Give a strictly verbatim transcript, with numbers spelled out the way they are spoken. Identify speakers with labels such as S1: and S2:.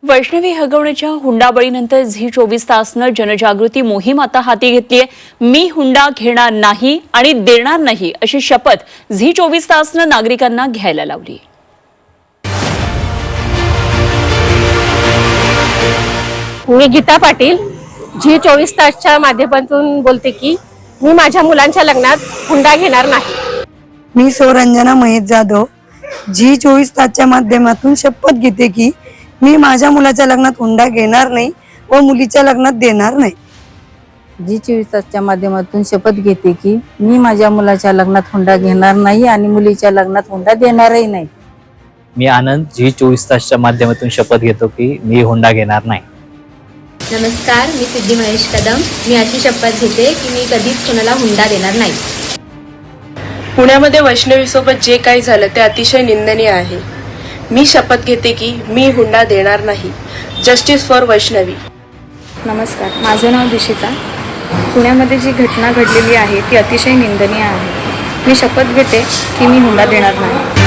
S1: Vaishnavi हगवण्याच्या हुंडाबळीनंतर Zee चोवीस तासनं जनजागृती मोहीम आता हाती घेतली आहे। मी हुंडा घेणार नाही आणि देणार नाही अशी शपथ झी चोवीस तासनं नागरिकांना घ्यायला लावली।
S2: मी गीता पाटील झी चोवीस तासच्या माध्यमातून बोलते की मी माझ्या मुलांच्या लग्नात हुंडा घेणार नाही।
S3: मी सौरंजना महेश जाधव झी चोवीस तासच्या माध्यमातून शपथ घेते की मी माझ्या मुलाच्या लग्नात हुंडा घेणार नाही व मुलीच्या लग्नात देणार नाही।
S4: झी चोवीस तासच्या माध्यमातून शपथ घेते की मी माझ्या मुलाच्या लग्नात हुंडा घेणार नाही आणि मुलीच्या लग्नात हुंडा देणारही नाही।
S5: मी आनंद झी चोवीस तासच्या माध्यमातून शपथ घेतो की मी हुंडा घेणार नाही।
S6: नमस्कार, मी सिद्धी महेश कदम। मी अशी शपथ घेते की मी कधीच कोणाला हुंडा देणार नाही।
S7: पुण्यामध्ये वैष्णवीसोबत जे काही झालं ते अतिशय निंदनीय आहे। मी शपथ घेते की मी हुंडा देणार नाही। Justice for Vaishnavi.
S8: नमस्कार, माझं नाव दिशिता। पुण्यामध्ये जी घटना घडलेली आहे ती अतिशय निंदनीय आहे। मी शपथ घेते की मी हुंडा देणार नाही।